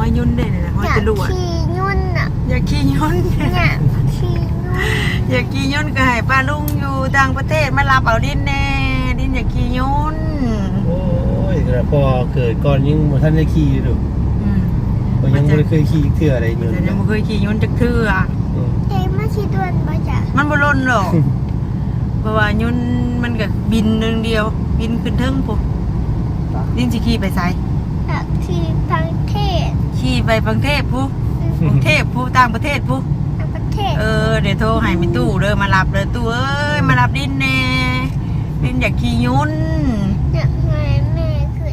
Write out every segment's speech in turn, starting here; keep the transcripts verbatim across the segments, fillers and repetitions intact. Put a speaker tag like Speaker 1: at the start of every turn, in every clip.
Speaker 1: อยยุ่นได้เลยนะห้อยจรวด
Speaker 2: ขี่ยุ่นอ่ะ
Speaker 1: อยากขี่ยุ่น
Speaker 2: เนี่ยขี่ยุ่น
Speaker 1: อยากขี่ยุ่นก็ให้ป้าลุงอยู่ต่างประเทศมารับเอาดินแน่ดินอยากขี่ยุ่น
Speaker 3: โอ้ยแต่พอเกิดก่อนยังบ่ทันได้ขี่ดู
Speaker 1: อืม
Speaker 3: ก็ยังบ่ได้เคยขี่เทื่ออะไรอยู่
Speaker 1: แต่ยังไม่เคยขี่ยุ่นจักเทื่อ
Speaker 2: เจ๊มาขี่ด่วนป่ะจ๊ะ
Speaker 1: มันบ่ล่นหรอก เพราะว่ายุ่นมันก็บินหนึ่งเดียว บินขึ้นเทิงปุ๊บดินสิขี่ไปไส
Speaker 2: อยากขี่ประเทศ
Speaker 1: ขี่ไปกรุงเทพปุ๊บกรุงเทพปุ๊บต่างประเทศปุ๊บ
Speaker 2: ต่างประเทศ
Speaker 1: เออเดี๋ยวโทรให้มีตู้เด้อมารับเลยตู้เอ้ยมารับดินแน่ดินอยากขี่ยุ่น
Speaker 2: เนี่ยไงแม่ขึ้น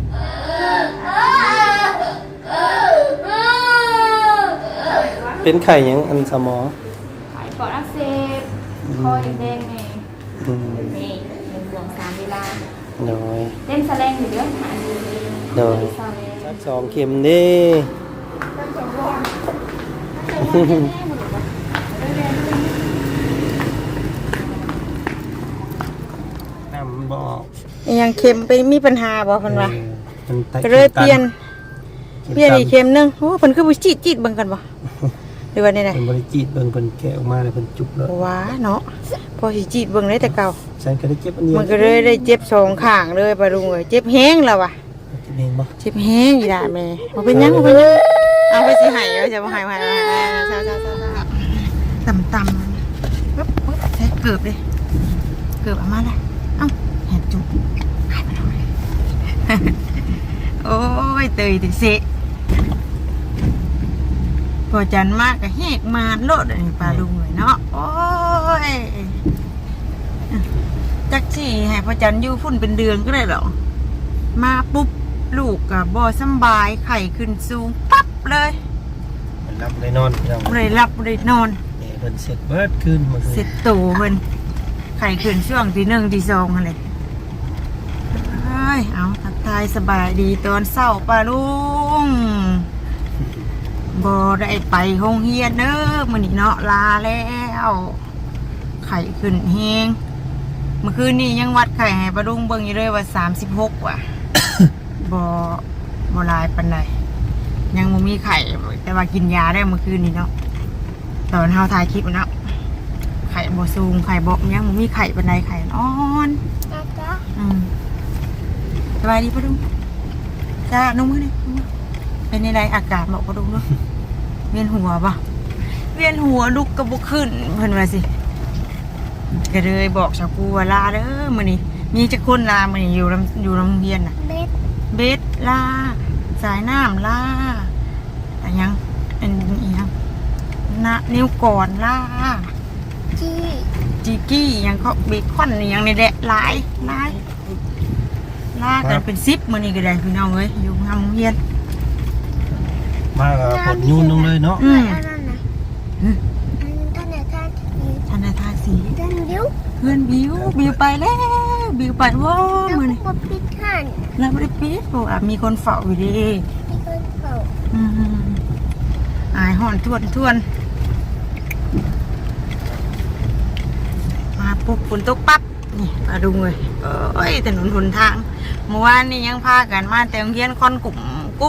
Speaker 3: เป็นไข่ยังอันสมอ
Speaker 4: ขายปอดอักเสบคอแดงๆไง
Speaker 3: อืม
Speaker 4: นี่เป็นห่วงสามเวลา
Speaker 3: โดย
Speaker 4: เล่นแสลงอยู่เรื่องหาดี
Speaker 3: โดย
Speaker 4: ซาเล
Speaker 3: สักสองเข็มเด้ น้ำมันบ่ออก
Speaker 1: ยังเข็มไปมีปัญหาบ่เพิ่นว่า
Speaker 3: เออมันไต
Speaker 1: ก็เลยเปลี่ยน
Speaker 3: ข็ม
Speaker 1: เปลี่ยนอีก
Speaker 3: ตั
Speaker 1: เข็มหนึงโอ้เพิ่นคือบ่จีดจีดเบิ่งกันบ่หรือว่านี่
Speaker 3: น
Speaker 1: น่ะ
Speaker 3: เป็นบริจีตเบิ่งเป็นแกะออกมาแล้วเป็นจุกแล้ว
Speaker 1: ว้าเนาะพอสิจีดเบิ่งได้แต่เก่า
Speaker 3: ฉันก็ได้เก็บอันเดียว
Speaker 1: มันก็เลยได้เจ็บสองข้างเลยปะลุงเอ้ยเจ็บแห้งแล้วว่ะ
Speaker 3: กินเองบ่
Speaker 1: เจ็บแห้งอีด่าแม่บ่เป็นหยังบ่เป็นหยังเอาไปสิให้เอาจะบ่ให้บ่ให้ๆๆๆต่ำๆปึ๊บปึ๊บใส่เกือบเลยเกือบเอามาเลยเอ้าแหบจุกหายไปแล้วโอ้ยเตยติเสะพอจันมากก็แหกมาโลดอันนี้ปลาลุงเลยเนาะโอ้ยจักสิให้พอจันอยู่ฝุ่นเป็นเดือนก็ได้หรอมาปุ๊บลูกกับบอสำบายไข่ขึ้นสูงปั๊บเลย
Speaker 3: มันรับได้นอนพี่น้อง
Speaker 1: บ่ได้รับบ่ได้นอน
Speaker 3: เอ้เพิ่นเสร็จเบิดคืนเมื่อคืน
Speaker 1: เสร็จตูเพิ่นไข่ขึ้นช่วงที่หนึ่งที่สองอะไรเฮ้ยเอาทักทายสบายดีตอนเศร้าปลาลุงบ่ได้ไปโรงเรียนเด้อมื้อนี้เนาะลาแล้วไข่ขึ้นแฮงเมื่อคืนนี้ยังวัดไข่ให้ปลาลุงเบิ่งอยู่เลยว่าสามสิบหกว่ะ บ่บ่หลายปานใดยังบ่มีไข่แต่ว่ากินยาได้เมื่อคืนนี้เนาะตอนเฮาถ่ายคลิปเนาะไข่บ่สูงไข่บ่ยังบ่มีไข่ปานใดไข่อ่อน
Speaker 2: นะจ๊ะ
Speaker 1: อืมสบายดีปะลุงจ้านุ่มมือดินุ่มมือเป็นในไรอากาศบอกปะลุงเนาะ เวียนหัวปะเวียนหัวลุกกระบุกขึ้นเพิ่นว่าสิก็เลยบอกชาวกูว่าลาเด้อมื้อนี้มีจักคนลามื้อนี้อยู่ลำอยู่โรงเรียนน่ะ
Speaker 2: เบ็ด
Speaker 1: เบสลาสายน้ำลาอะไรยังอันอีหยังนะนิ้วก่อนลา
Speaker 2: จี้
Speaker 1: จีกี้อิหยังเขาเบคอนอหยังในแหละหลายหลายลากันเป็นซิปมื้อนี้ก็ได้พี่น้องเอ้ยอยู่ทางโรงเรียน
Speaker 3: มาก็กดยูนลงเลยเนาะ
Speaker 1: อืม
Speaker 2: อันนั้นนะ
Speaker 1: อืม
Speaker 2: อันนั้นท่านไหนท่านนี้
Speaker 1: ธนาทาสี
Speaker 2: ท่านบิ้ว
Speaker 1: เพื่อนบิวบิวไปแล้วบิวไปว้า
Speaker 2: แล้ว
Speaker 1: มื้อนี้
Speaker 2: ก็ปิดท่าน
Speaker 1: เราไม่ได้ปิดเพราะว่ามีคนเฝ้าอยู่ดี
Speaker 2: มีคนเฝ้า
Speaker 1: อืมอายห่อนทวนทวนมาปุ๊บฝนตกปั๊บนี่มาดูเลยเอ้ยถนนหนทางเมื่อวานนี่ยังพากันมาแต่โรงเรียนคอนกลุ่มกุ้ม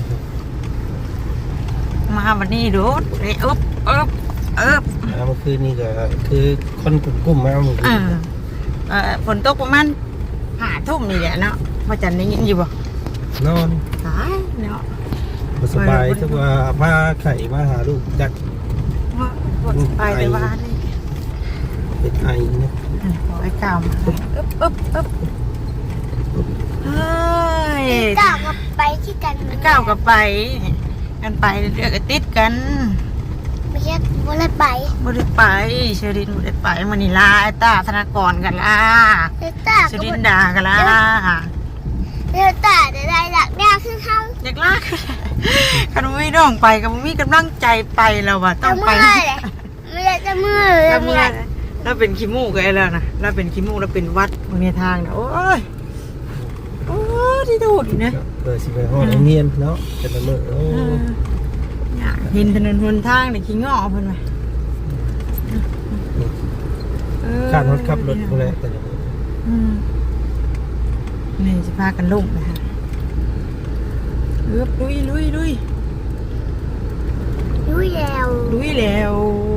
Speaker 1: มาวันนี้โดดเลยอึบอึบอึบ
Speaker 3: แล้วเมื่อคืนนี่ก็คือคนกลุ่มกลุ่มมาเมื่อคื
Speaker 1: เอน อเออฝนตกประมาณห้าทุ่มนี่แหละเนาะพอจันได้ยินอยู่บ่
Speaker 3: นอน
Speaker 1: ตายเนาะ
Speaker 3: บ่สบายถ้าว่ามาไข่มาหาลูกจัก
Speaker 1: ว่าว่าไปแต่ว่านี่
Speaker 3: เป็นไอเนี่ย
Speaker 1: อืมขอไอ้กาวมาอึบอึบอึบเฮ้ย
Speaker 2: ก้าวกับไปที่กัน
Speaker 1: ไอ้ก้าวกับไปกันไปเรื่อยๆก็ติดกัน
Speaker 2: ไม่ใช่บ่ได้ไป
Speaker 1: บ่ได้ไปเชอรินบ่ได้ไปมื้อนี้ลาไอ้ตาธนากรกันล่ะ
Speaker 2: เดลต้า
Speaker 1: เช
Speaker 2: ก็
Speaker 1: อริ
Speaker 2: บ่
Speaker 1: นดากันล่ะ
Speaker 2: เดลต้าได้ได้หลักแน่คือเขา
Speaker 1: อยากลากคันบ่มีน้องไปก็บ่มีกำลังใจไปแล้วว่ะต้
Speaker 2: จะ
Speaker 1: องไป
Speaker 2: เมื่อยเลยไม่ได้จะเมื่อยเลย
Speaker 1: แล้ว
Speaker 2: เมื่
Speaker 1: เมื่
Speaker 2: อ
Speaker 1: อย แล้วเป็นขี้มูกไอ้แล้วนะแล้วเป็นขี้มูกแล้วเป็นวัดบนในทางนะโอ้ยโอ้ยที่ดูดินะ
Speaker 3: เปิดสิไปห้องโรงเรียนเนาะแต่ละมื้อโอ้
Speaker 1: เอออยากเห็นถนนหนทางเนี่ยขี้งอเพิ่นว่ะเออ
Speaker 3: ค่ารถขับรถพวกนี้แต่ละมื้อ
Speaker 1: อืมนี่จะพากันลุ่มนะฮะเออลุยลุยลุย
Speaker 2: แล้ว
Speaker 1: ลุยแล้ว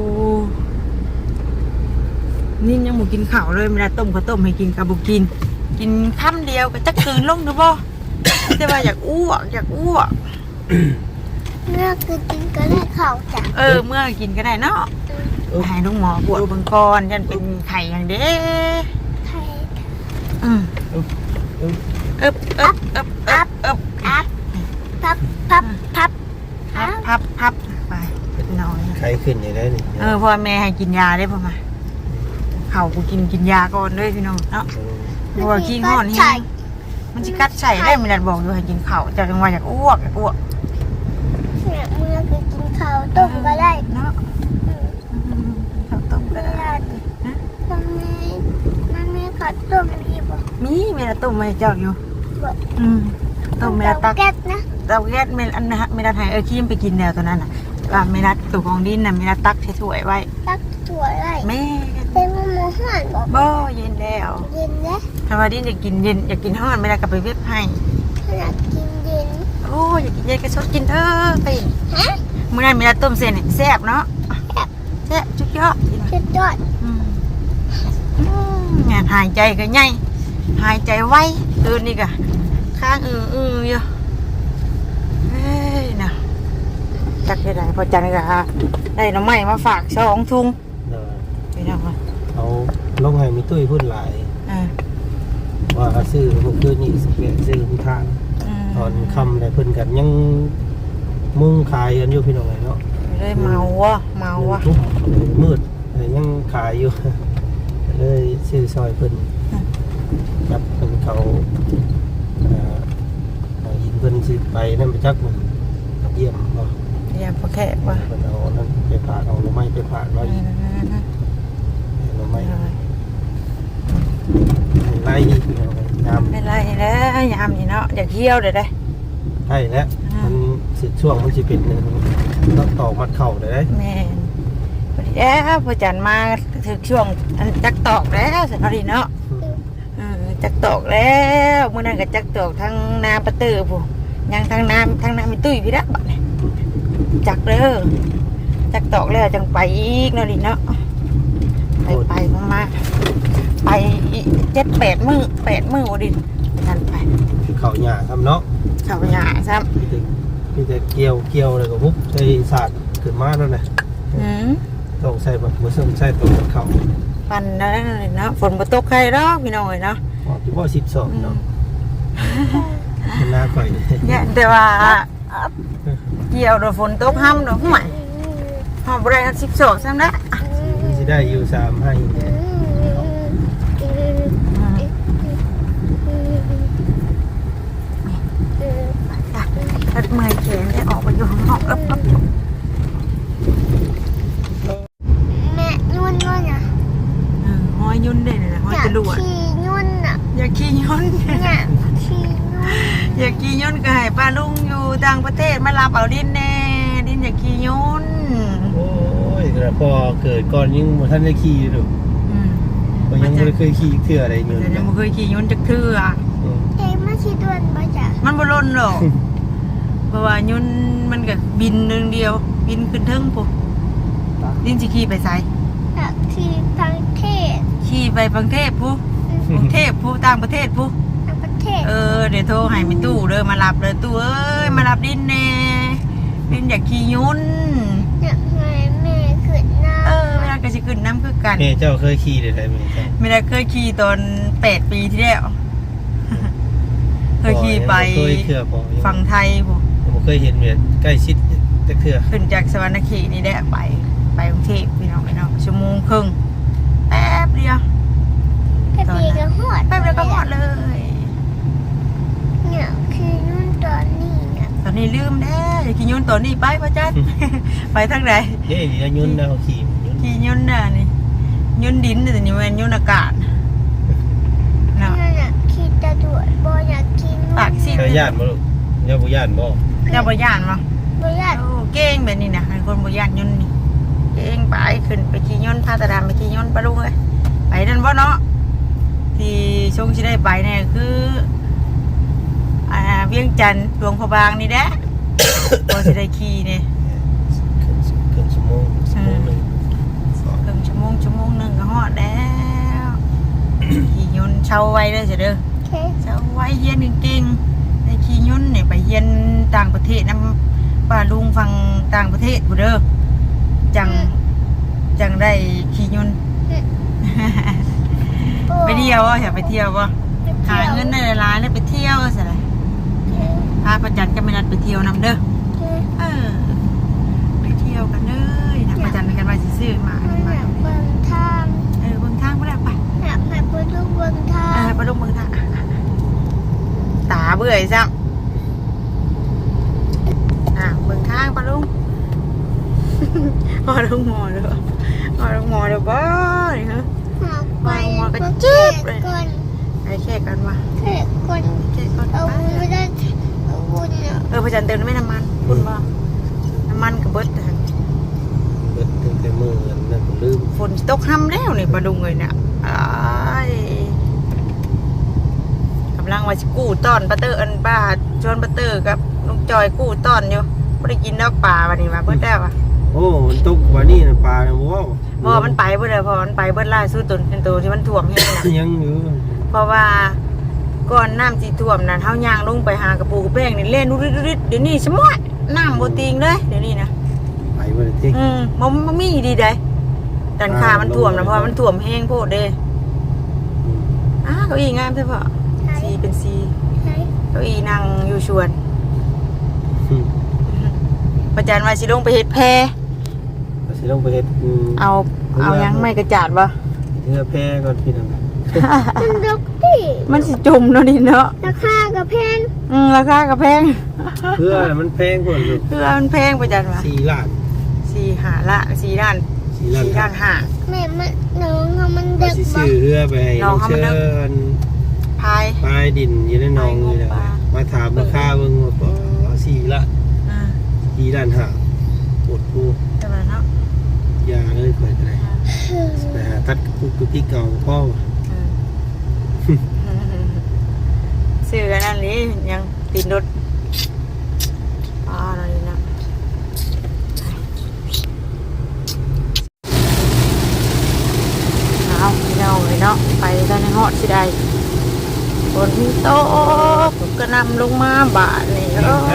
Speaker 1: นี่ยังบ่กินข้าวเลยเวลาต้มข้าวต้มให้กินกับบ่กิน กินค่ำเดียวก็จะกลืนลงหรือบ่ แต่ว่าอยากอ้วกอยากอ้วก
Speaker 2: เมื่อคือกินก็ได้ข้าวจ้ะ
Speaker 1: เออเมื่อกินก็ได้เนาะให้ลุงหมอปวดเบิ่งก่อนยันเป็นไข่อย่างเด้
Speaker 2: ไข่
Speaker 1: อืม
Speaker 3: อึ๊บอึ๊บ
Speaker 1: อึบอึบอึบอึบอึบ
Speaker 2: อัพพับพับพับ
Speaker 1: พับพับพับไปนอน
Speaker 3: ไข้ขึ้นอย่างได้นี่
Speaker 1: เออพ่อแม่ให้กินยาได้พ่อมาเขากูกินกินยาก่อนเลยพี่น้องเนาะเพราะว่าขี้งอนนี่มันจะกัดใส่ได้ไม่ได้บอกอยู่ให้กินข้าวจากจังหวะอยากอ้วกอยากอ้วก
Speaker 2: เนี่ยเมื่อคือกินข้าวต้มก็ได้
Speaker 1: เนาะข้าวต้มก็
Speaker 2: เว
Speaker 1: ได้
Speaker 2: ลามันมีมันมีข้าวต้มดีบ่
Speaker 1: มีเมลาต้มไม่เจ้าอยู่
Speaker 2: บ่
Speaker 1: อืมต้มเมลาตัก
Speaker 2: แก๊สนะ
Speaker 1: เตาแก๊สเมลอันนะเมลาไทยเออขี้มไปกินแนวตัวนั้นอ่ะว่าเมลาตัวของดินน่ะเมลาตักใช้ถ้วยไว้
Speaker 2: ตักถั่วได้
Speaker 1: แม่
Speaker 2: เป็นมะม่วงห่านบ่
Speaker 1: บ่เย็นแล้ว
Speaker 2: เย็นนะ
Speaker 1: ถ้าว่าดินอยากกินเย็นอยากกินห้อนเมลากลับไปเว็บให้
Speaker 2: ขนาดกินเย็น
Speaker 1: โอ้อยากกินเย็นก็ชดกินเถอะไป
Speaker 2: ฮะ
Speaker 1: เมื่อนั้นเมลาต้มเส้นเนี่ยแซ่บเนาะแซ่บจุดยอด
Speaker 2: สุดยอด
Speaker 1: อืมอืมงานหายใจก็ง่ายหายใจไวตื่นนี่ก็ข้างอืออืออยู่เฮ้ยนะจักได้ไหนพอจันก็ได้หน้ำไม้มาฝากสองถุง
Speaker 3: เออ
Speaker 1: ไปน้องมา
Speaker 3: เอาลงให้มีตุ้ยพูดหลาย
Speaker 1: อ่า
Speaker 3: ว่าซื้อพวกคืนนี้สิแกะซื้อผู้ทาน
Speaker 1: ม
Speaker 3: ตอนค่ำได้เพิ่นกันยังมุ่งขายกันอยู่พี่น้องเนาะ
Speaker 1: เลยเมาวะเมาวะ
Speaker 3: ทุ่มมืดแต่ยังขายอยู่ เลยซื้อซอยเพิ่นจับเพิ่นเขาเอ่อเอายินเพิ่นสิไปนั่นไปจักมันเยี่ยมบ่
Speaker 1: เรียบพอแค่วะ
Speaker 3: เพิ่นเอานั่นไปฝากเอาหน่อไม้ไปฝากไว้อีกหน่อไม้ไล่อีกพี่น้องยาม
Speaker 1: ไม่ไรแล้วยามนี่เนาะอยากเที่ยวเดี๋ยวได้
Speaker 3: ใช่แล้วมันสิช่วงมันสิเป็นต้องตอกมัดเข่าได้เด้
Speaker 1: แม่นพอดีแล้วพอจันมาถึงช่วงอันจักตอกแล้วสิพอดีเนาะเออจักตอกแล้วเมื่อนั้นก็จักตอกทั้งนาประตือผู้ยังทั้งน้ำทั้งน้ำมีตุ้ยพี่ละบัดนี้จักเด้อจักตอกแล้วจังไปอีกเนาะดิเนาะไปไปมาไปเจ็ดแปดมือแปดมือวดินั่นไป
Speaker 3: เข่าหญ้าครับเนาะ
Speaker 1: เขาหยาซ้
Speaker 3: พี่จะพี่จะเกี่ยวเกี่ยวเลยก็ปุ๊บใส่สาดขึ้นมาแล้วนะ
Speaker 1: ำอืม
Speaker 3: ต้องใส่แบบมือส้มใส่ตัวเข่า
Speaker 1: ปั่นแล้วเนาะฝนมาตกใครหรอกพี่น้อยเนาะ
Speaker 3: ออกที่ว่าสิบสองเนาะมันน่าข่อยเลย
Speaker 1: เนี่ยแต่ว่าเกี่ยวโดนฝนตกห้ำโดนห่วยหอมบริษัทสิบสองซ้ำละ
Speaker 3: มันจะได้อยู่สามให้เนี่ย
Speaker 1: ตัดเมื่อยแขนได้ออกไปอยู่ข้างนอกเอ๊บเอ๊บ
Speaker 2: แม่นุ่นนุ่นอ่ะ
Speaker 1: เออห้อยยุ่นได้เลยนะห้อย
Speaker 2: อยาก
Speaker 1: จรวด
Speaker 2: ขี่นุ่นอ่ะ
Speaker 1: อยากขี่ยุ่น
Speaker 2: อยากขี่นุ่น
Speaker 1: อยากขี่ยุ่นก็ให้ป้าลุงอยู่ต่างประเทศมารับเอาดินแน่ดินอยากขี่ยุ่น
Speaker 3: โอ้ยแต่พอเกิดก่อนยังบ่ท่านได้ขี่อยู่
Speaker 1: อืม
Speaker 3: ก็ยังไม่ได้เคยขี่เทื่ออะไรอยู่
Speaker 1: แต่ยังไม่เคยขี่ยุ่นจักเทื่อ
Speaker 2: เอ้มาขี่ด่วนมาจ้ะ
Speaker 1: มันบ่ล่นหรอก เพราะว่ายุ่นมันก็บินหนึ่งเดียว บินขึ้นเทิงปุ๊บดินสิขี่ไปไส
Speaker 2: อยากขี่พังเทศ
Speaker 1: ขี่ไปกรุงเทพปุ๊บกรุงเทพปุ๊บต่างประเทศปุ๊บ
Speaker 2: ต่างประเทศ
Speaker 1: เออเดี๋ยวโทรให้มีตู้เด้อมารับเลยตู้เอ้ยมารับดินแน่ดินอยากขี่ยุ่น
Speaker 2: อยากให้แม่ขึ้นหน้า
Speaker 1: เออเวลาก็สิขึ้นน้ำคือกัน
Speaker 3: แม่เจ้าเคยขี่ได้ไหมแม่เจ้า
Speaker 1: ไม่ได้เคยขี่ตอนแปดปีที่แล้ว เคยขี่ไป
Speaker 3: เคยเทื่อพอ
Speaker 1: ฝั่งไทยปุ๊บ
Speaker 3: ผมเคยเห็นเนี่ยใกล้ชิดจักเทื่อ
Speaker 1: ขึ้นจากสวรรณเขตนี่แหละไปไปกรุงเทพพี่น้องพี่น้องชั่วโมงครึ่งแป๊บเดียว
Speaker 2: แค่ปีก็หอด
Speaker 1: แป๊บเดียวก็หมดเลย
Speaker 2: เนี่ยคือนุ่นตอนนี้เนี่ย
Speaker 1: ตอนนี้ลืมแน่อย่าขี่ยุ่นตัวนี้ไปพ่อจัน ไปทางไหน
Speaker 3: เฮ้ยนี่ยุ่นนะเขาขี่ยุ่น
Speaker 1: ขี่ยุ่นน่ะนี่ยุ่นดินแต่นี่มันยุ่นอากาศเนาะ
Speaker 2: นั่นน่ะขี่ตะดวดบออยากขี่นุ่น
Speaker 1: ปากสิ
Speaker 3: เจ้าย่านบ่ลูกเจ้าบ่ย่านบ่
Speaker 1: เจ้าบ่ย่านมั้ง
Speaker 2: บอยาก
Speaker 1: โอ้เก่งแบบนี้นะเป็นคนบ่ย่านยุ่นนี่เก่งไปขึ้นไปขี่ยุ่นพาตาดามไปขี่ยุ่นปะลุงเลยไปนั่นบ่เนาะที่ชงสิได้ไปเนี่ยคืออ่าเวียงจันทร์หลวงพระบางนี่แหละ พอสิได้ขี่เนี่ย
Speaker 3: ก
Speaker 1: แล้วขี่ยนต์เช่าไว้เด้อจ้ะเด้อ
Speaker 2: เค
Speaker 1: เช่าไว้เฮียนเก่งๆในขี่ยนต์เนี่ยไปเฮียนต่างประเทศนำป้าลุงฟังต่างประเทศผู้เด้อจังจังได้ขี่ยนต์ ไปเที่ยวอ่ะอยากไปเที่ยวป่ะหาเงินได้หลายๆแล้วไปเที่ยวสิอะไรพาประจันก็ไม่นัดไปเที่ยวนำเด้อเออไปเที่ยวกันเลยนะประจันกันมาซื้อๆมา
Speaker 2: มันอยากเบิ่งทาง
Speaker 1: เออเบิ่งทางก็ได้ไป
Speaker 2: อยากให้ไปดูเบิ่งทา
Speaker 1: เออง ไปลงเบิ่งทางตาเบื่อซ้ำอ่ะเบิ่งทางปะลุง พอลุงมอเด้อพอลุงมอเด้อบ่นี่ฮะ
Speaker 2: อยากไป
Speaker 1: มองมาก็
Speaker 2: ก็
Speaker 1: จึ๊
Speaker 2: เก็
Speaker 1: บเลย
Speaker 2: ก่อน
Speaker 1: ไปแค่กันมา
Speaker 2: เก็ก่อน
Speaker 1: แค่ก่อน
Speaker 2: เอา
Speaker 1: ไป
Speaker 2: ไม่ได้เอาบุญเนี่ย
Speaker 1: เออพระจันทร์เติมไม่น้ำมันคุณบ่น้ำมันกับเบิดหั่น
Speaker 3: เบิดตั้งแต่มื้อนั้นผมลืม
Speaker 1: ฝนตกห้ำแล้วนี่ปลาดุงเลยเนี่ยอ้ายกำลังว่าสิกู้ต้อนปลาเตอร์อันบ้าชวนปลาเตอร์กับลุงจอยกู้ต้อนอยู่ไม่ได้กินดอกปลาวันนี้มาเบิดแล้วอ่ะ
Speaker 3: โอ้มันตกว่านี่น่ะปลาน่ะบ่เว้า
Speaker 1: พอมันไปเบิดเลยพอมันไปเบิดล่าสุดตัวเป็นตัวที่มันท่วมเฮ็ดน่ะ
Speaker 3: ยังอยู่
Speaker 1: เพราะว่าก่อนน้ำสิท่วมนั่นเฮาย่างลงไปหากระปูกระแป้งนี่เล่นดุดๆๆเดี๋ยวนี้สมอดน้ำบ่ติงเลยเดี๋ยวนี้นะ
Speaker 3: ไปบ่ได้ติ
Speaker 1: อืมมันมันมีดีได้ดันขามันท่วมนะเพราะว่ามันท่วมแห้งโพดเด้อ้าเก้าอี้งามใช่ปะ
Speaker 2: ใช่
Speaker 1: สีเป็นสี
Speaker 2: ใช่
Speaker 1: เก้าอี้นั่งอยู่ชวน
Speaker 3: อืม
Speaker 1: ประจันว่าสิลงไปเฮ็ดแพ
Speaker 3: ก็สิลงไปเฮ็ดอืม
Speaker 1: เอาเอายังไม่กระจาดบ่
Speaker 3: เรือแพก่อนพี่น้อง
Speaker 2: มันดกดิ
Speaker 1: มันสิจมเนาะนี่เนาะ
Speaker 2: ราคากับแพง
Speaker 1: อืมราคาก็แพง
Speaker 3: เพื่อมันแพงกว่าลูก
Speaker 1: เพื่อมันแพงประจันว่า
Speaker 3: สี่ล้าน
Speaker 1: สี่หาละสี่ด้าน
Speaker 3: สี่ล้าน
Speaker 1: สี่ด้านห้า
Speaker 2: แม่มันน้องเอามัน
Speaker 3: ก็
Speaker 2: เด็ก
Speaker 3: สิ
Speaker 2: บ่
Speaker 3: ซื้อเรือไปให้
Speaker 1: น้
Speaker 3: น้
Speaker 1: อ
Speaker 3: อง ง
Speaker 1: เขา
Speaker 3: เชิ
Speaker 1: มานึก
Speaker 3: ญ
Speaker 1: พาย
Speaker 3: ปลายดินอยู่ในหนองนี่แหละ
Speaker 1: ปลา
Speaker 3: มาถามราคาเบิ่งว่าบ่สี่ละ
Speaker 1: อ่า
Speaker 3: สี่ล้านห้าปวดกู
Speaker 1: ใช่ไหมเนาะ
Speaker 3: ยาเลยข่อยก็ได้ไปหาตัดกระปุกกระปิกเก่าพ่อ
Speaker 1: อืมซื้อกันนั่นนี่ยังติดรถอ่าอะไรนะเอาพี่น้องเลยเนาะไปตอนในหอดสิได้ฝนตกก็นำลงมาบาทนี่โอ้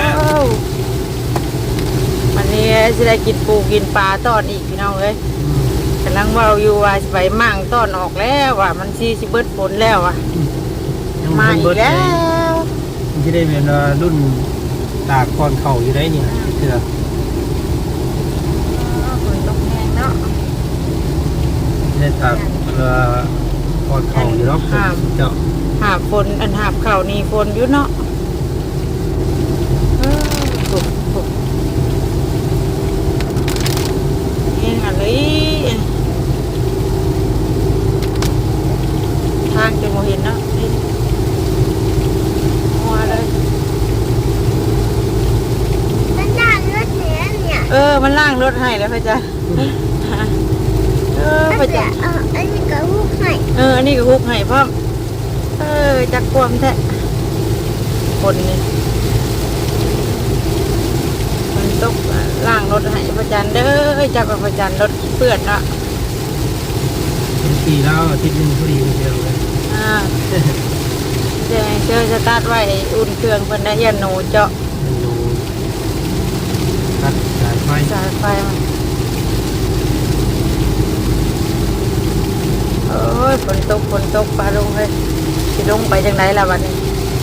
Speaker 1: วันนี้สิได้กินปูกินปลาตอนอีกพี่น้องเลยกำลังเว่าอยู่ว่าสิไปมั่งตอนออกแล้วว่ามันซีสิเบิดฝนแล้วอ่ะมาอีกแล้ว
Speaker 3: มันจะได้เป็นว่ารุ่นตากก่อนเข่าอยู่ได้นี่เถื่อ
Speaker 1: ฝนตกแห้งเนาะ
Speaker 3: ได้ตากเอ่อก่อนเข่าอยู่เนาะเจ้า
Speaker 1: หาบฝนอันหาบเข่านี่ฝนอยู่เนาะเออถูกถูกเองอะไรทางจะมองเห็นเนาะนี่มัวเลย
Speaker 2: มันด่านรถเหนือเนี่ย
Speaker 1: เออมันล่างรถให้แล้วพ่อจ๊ะเออพ่อ
Speaker 2: แต่
Speaker 1: จ๊ะ
Speaker 2: เอออันนี้ก็ลูกให้
Speaker 1: เอออันนี้ก็ฮุกให้พ่อมเออจักความแท้คนนี่มันตกล่างรถให้พ่อจันเด้อจักว่าพ่อจันรถเปื้อนเนาะ
Speaker 3: เป็นปีแล้วอาทิตย์หนึงพอดีเดียวเลย
Speaker 1: อ่าเจอเจอสตาร์ทไว้อุ่นเครื่องเพิ่นได้เฮียนหนูเจาะ
Speaker 3: มันดูตัดสายไฟ
Speaker 1: สายไฟมาโอ้ยฝนตกฝนตกปลาลงเลยสิลงไปจังไดล่ะวันนี้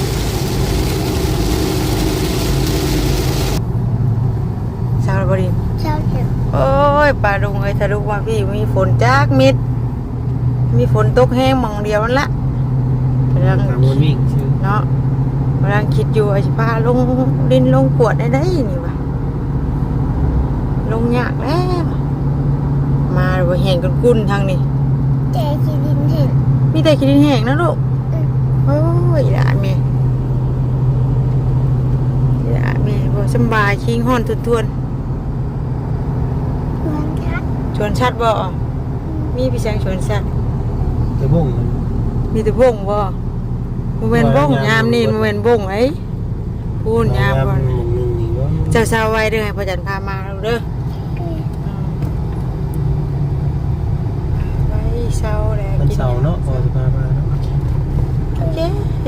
Speaker 1: ชาวบริ
Speaker 2: เช้าเถอะ
Speaker 1: โอ้ยปลาลงเลยทะลุมาพี่มีฝนจากมิดมีฝนตกแห้งหมองเดียวนั่นละกำลัง
Speaker 3: ทางวนวิ่งชื่อ
Speaker 1: เนาะกำลังคิดอยู่ไอ้สิพาลงดินลงกวดได้ได้นี่วะลงยากแล้วมาดูแห้งกุ้นๆทางนี้
Speaker 2: แต่ที่ดินเห็น
Speaker 1: มีแต่ขี้ดินแห้งนะลูกโอ้ยหลานแม่หลานแม่บ่สำบายคิงห้อนทวน
Speaker 2: เพื่อนครับ
Speaker 1: ๆชวนชัดบ่มีพี่แสงชวนชัด
Speaker 3: ตะบุ้งมัน
Speaker 1: มีแต่บงบ่โมเมนบงยามนี่โมเมนบงไอ้พูนยามก่อน
Speaker 3: หนึ่งหนึ่งนี่เนาะ
Speaker 1: เจ้าสาวไว้เด้อให้พ่อจันพามาเด้อ
Speaker 2: เออ
Speaker 1: ไว้เช้าแล้ว
Speaker 3: วันเสาร์เนาะพอจะพามาเนาะ
Speaker 1: โอเค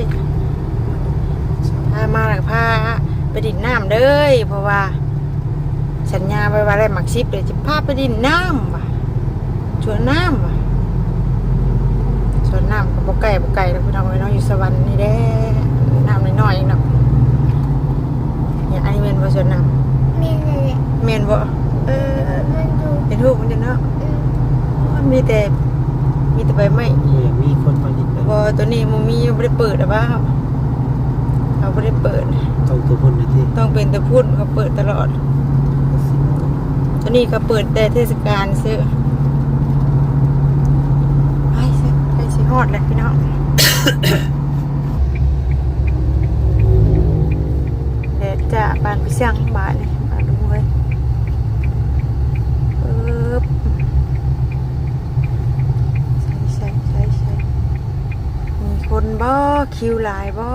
Speaker 1: พามาหลักพาไปดินน้ำเด้อเพราะว่าสัญญาไว้ว่าได้หมักซิปเลยจะพาไปดินน้ำว่ะชวนน้ำว่ะชวนน้ำกับปไก่ปไก่แล้วพี่น้องไว้น้องอยู่สวรรค์นี่แด้น้ำน้อยๆเองเนาะอย่างอันนี้เมนบ่ชวนน้
Speaker 2: มีเลย
Speaker 1: ำเมนบ่เออ
Speaker 2: มันดู
Speaker 1: เป็นรูปมันจะเนาะ
Speaker 2: อืม
Speaker 1: มันมีแต่มีแต่ใบไม้
Speaker 3: เนี่ยมีคนมาดิบเลย
Speaker 1: บ่ตัวนี้มันมีไม่ได้เปิดหรือเปล่าเขาไม่ได้เปิด
Speaker 3: ต้องตัวคนเลยที่
Speaker 1: ต้องเป็นแต่พูดเขาเปิดตลอดตัวนี้ก็เปิดแต่เทศกาลซื้อไปสิไปสิฮอดเลยพี่น้อง เดี๋ยวจะบานไปเสี่ยงบานนี่บานดูเลยปึ๊บใช่ใช่ใช่ใช่มีคนบ่คิวหลายบ่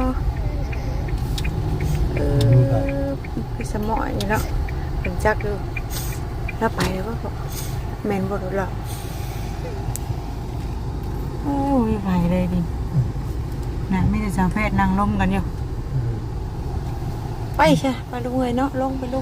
Speaker 1: เออคือสมอยนี่เนาะเป็นจักดูแล้วไปแล้วก็บอกแมนบ่รู้หรอกโอ้ยไปเลยดินั่นไม่ได้สาวแพทย์นั่งล้มกันอยู่ไปใช่ไปลงเลยเนาะลงไปลง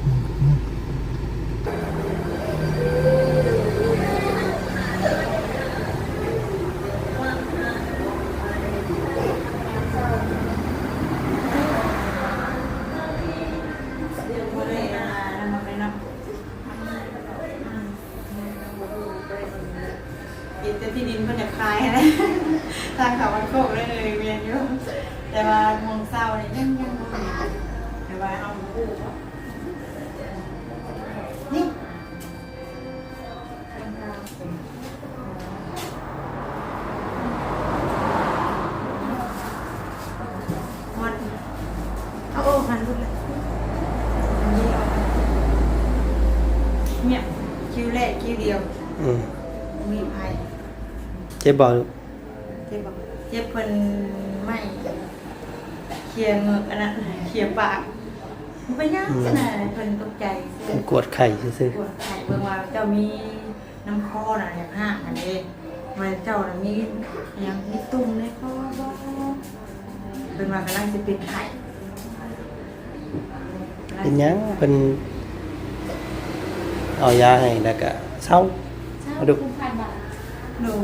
Speaker 1: กินแต่ที่ดินมันจะคลายนะทางเขาวันโคกเลยเวียนอยู่แต่ว่ามองเศร้าเนี่ยยังยังแต่ว่าเอาคู่นี่มันเอาโอ้หันดูเลยเนี่ยคิวแรกคิวเดียว
Speaker 3: อืม
Speaker 1: มีภัย
Speaker 3: เจ็บบ่
Speaker 1: เจ็บบอกเจ็บเพิ่นไม่เคลียร์เงือกอันนั้นเคลียร์ปากมันไปยากขนาดเพิ่นตกใจ
Speaker 3: เป็นกวดไข่ซื่อ
Speaker 1: ปวดไข้เบิ่งว่าเจ้ามีน้ำคอน่ะอย่างห้าอันนี้มันเจ้าน่ะมีอย่างมีตุ่มในคอบ่เพิ่นว่ากำลังสิเป็นไข้
Speaker 3: ๆเป็นหยังเป็นเอายาให้แล้วก็เศร้าเอาดู
Speaker 4: คุณผ่านบัตร
Speaker 1: โน่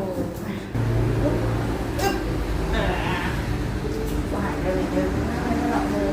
Speaker 1: อ่าว่าหายเลยเด้อไม่ต้องหลับเลย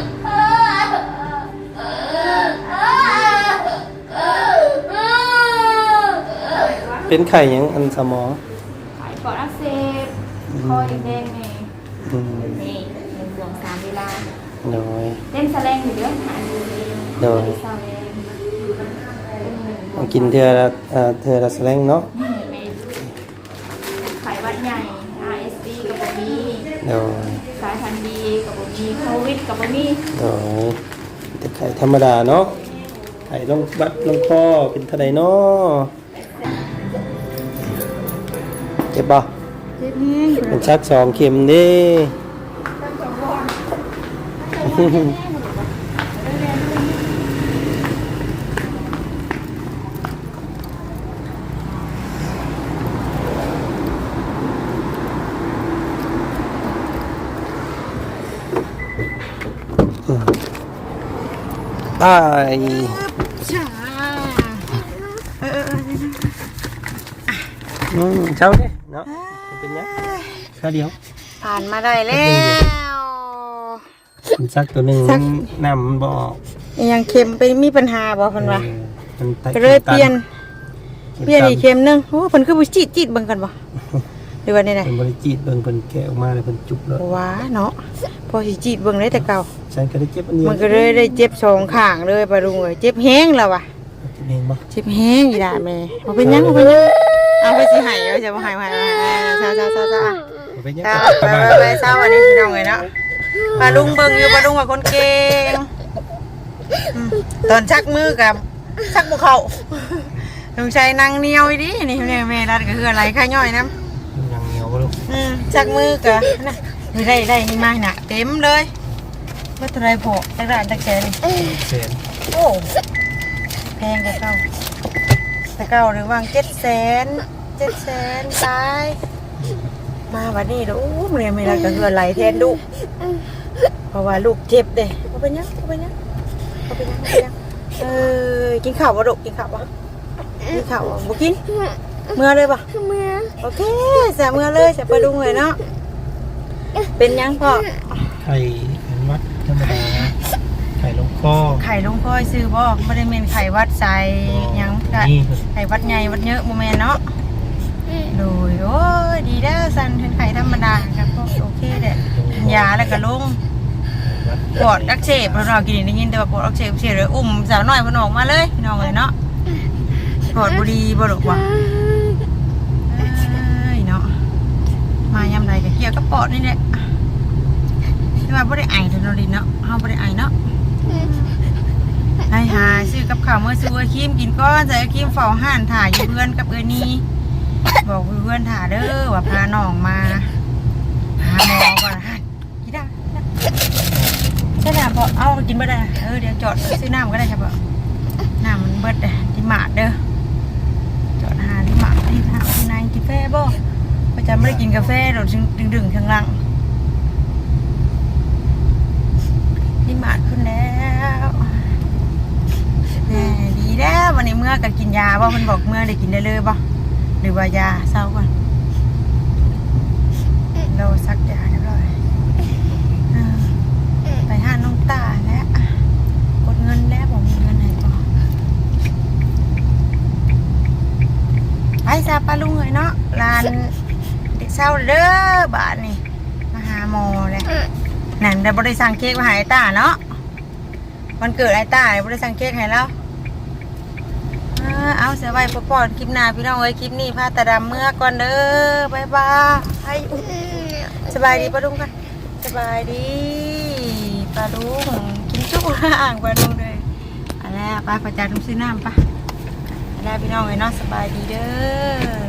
Speaker 3: เป็นไข่หยังอันสมอง
Speaker 4: ไขปอดอักเสบคอแดงๆนี่
Speaker 3: อืม
Speaker 4: นี่หนึ่งดวงสามเวลา
Speaker 3: โดย
Speaker 4: เต้นแสลงอยู่เดือนหาดูเอง
Speaker 3: โดย
Speaker 4: เศร้าเอง
Speaker 3: มากินเทือละเอ่อเทือละแสลงเนาะ
Speaker 4: นี่เมนไขหวัดใหญ่ อาร์ เอส ดี กับบะมี
Speaker 3: โดย
Speaker 4: สายพันธุ์ดีกับบะมีโควิดกับบะมี
Speaker 3: โดยแต่ไข่ธรรมดาเนาะไข่ลงบัดลงคอเป็นเท่าใดเนาะเจ็บบ่
Speaker 1: เจ็บแห้ง
Speaker 3: เป็นชักสองเข็มเด้ตาย
Speaker 1: ช้าเออเออเออ
Speaker 3: อืมเช้าดิเนาะเป็นยังข้าวเดียว
Speaker 1: ผ่านมาได้แล้ว
Speaker 3: มันซักตัวหนึ่งน้ำมันบ่ออก
Speaker 1: ยังเค็มไปมีปัญหาบ่เพิ่นว่า
Speaker 3: เออมันไต
Speaker 1: ก็เลยเปลี่ยน
Speaker 3: ข็ม
Speaker 1: เปลี่ยน
Speaker 3: ตั
Speaker 1: อีกเค็มหนึงโอ้เพิ่นคือบ่จีดจีดเบิ่งกันบ่หรือว่านี่ได
Speaker 3: เป็นบริจีตเบิ่งเป็นแกะออกมาเลยเป็นจุกเลย
Speaker 1: ว้าเนาะพอสิจีดเบิ่งได้แต่เก่า
Speaker 3: ฉันก็ได้เจ็บอันเดียว
Speaker 1: มันก็เลยได้เจ็บสองข้างเลยปะลุงเอ้ยเจ็บแห้งแล้วว่ะ
Speaker 3: กินเองบ่
Speaker 1: เจ็บแห้งอีด่าแม่บ่เป็นหยังบ่เป็นหยังเอาไปสิให้เอาจะบ่ให้บ่ให้ซาซาซาซา
Speaker 3: เอาไปเนี่ย
Speaker 1: เช้า
Speaker 3: กลับ
Speaker 1: ไป
Speaker 3: บ้าน
Speaker 1: ไปเช้าวันนี้พี่น้องเลยเนาะปลาลุงเบิ่งอยู่ปลาลุงว่าคนเก่งอืมตอนชักมือกับชักบุเขาลุงชัยนั่งเหนียวอีดินี่แม่แม่รัดก็คืออะไรข้าย่อยน้
Speaker 3: ยังเหนียวบ่ลูก
Speaker 1: ำอืมชักมือกับนะนี่ได้ได้นี่มาหนักเต็มเลยเมื่อไรพอจักรานจักแกนี่
Speaker 3: เสียน
Speaker 1: โอ้แพงกว่าเก่าแต่เก่าหรือว่างเจ็ดแสนเจ็ดแสนตายมาวันนี้เด้ออู้มื้อนี้ไม่รักก็เหือไหลแทนลูกเพราะว่าลูกเจ็บเด้บ่เป็นหยังบ่เป็นหยังบ่เป็นหยังบ่เป็นหยังเออกินข้าวบ่ลูกกินข้าวบ่กินข้าวบ่บ่กินเมื่อเลยบ่
Speaker 2: เมื่อ
Speaker 1: โอเคแซ่เมื่อเลยแซ่ปลาดุงเลยเนาะเป็นหยังพ่อ
Speaker 3: ไข่เป็นวัดธรรมดาไข่ลงคอ
Speaker 1: ไข่ลงค่อยซื้อบ่บ่ได้แม่นไข่วัดใส่หยังไข่
Speaker 3: นี่
Speaker 1: ไข่วัดใหญ่วัดเยอะบ่แม่นเนาะโดยโอ้ยดีเด้อสันเป็นไข่ธรรมดาครับพวกโอเคเด้อยาแล้วก็ลง
Speaker 3: วัด
Speaker 1: ปอดอักเสบเรากินได้ยินแต่ว่าปอดอักเสบเสียเลยอุ้มสาวน้อยมันออกมาเลยพี่น้องเลยเนาะปอดบุรีบ่หรอกว่าเอ้ยเนาะมายำไรก็เกี่ยวกับปอดนี่แหละที่ว่าบ่ได้ไอเท่านั้นดิเนาะเฮาบ่ได้ไอเนาะให้หาซื้อกับข้าวเมื่อซื้อไอ้ครีมกินก้อนใส่ไอ้ครีมเฝ้าห้านถ่ายอยู่เพื่อนกับเอ้ยนี่บอกเพื่อนถ่าเด้อว่าพาน้องมาหาหมอก่อนฮะกินได้ใช่น้ำพอเอากินบ่ได้เออเดี๋ยวจอดซื้อน้ำก็ได้ครับน้ำมันเบิดเด้ที่หมาดเด้อจอดหาที่หมาดที่ทางที่นายกินกาแฟบ่ประจำไม่ได้กินกาแฟเราดึงดึงข้างล่างที่หมาดขึ้นแล้วแน่ดีแล้ววันนี้เมื่อก็กินยาบ่มันบอกเมื่อได้กินได้เลยบ่หรือว่ายาเศร้าก่อนเราซักยาเรียบร้อยไปห้าน้องตาแล้วกดเงินแล้วผมมีเงินไหนก่อนไปซาปลาลุงเลยเนาะร้านเด็กเศร้าเด้อบาทนี่มาหาโมเลยนั่นแต่บริสั่งเค้กมาหาไอ้ตาเนาะวันเกิดไอ้ตาบริสั่งเค้กให้แล้วเอาเสียไว้พอๆคลิปหน้าพี่น้องเอ้ยคลิปนี้พาตาดำเมื่อก่อนเด้อบายบายสบายดีปลาลุงกันสบายดีปลาลุงกินจุ๊กห่างปลาลุงเลยอะไรไปประจานลุงซื้อน้ำปะแล้วพี่น้องเอ้ยเนาะสบายดีเด้อ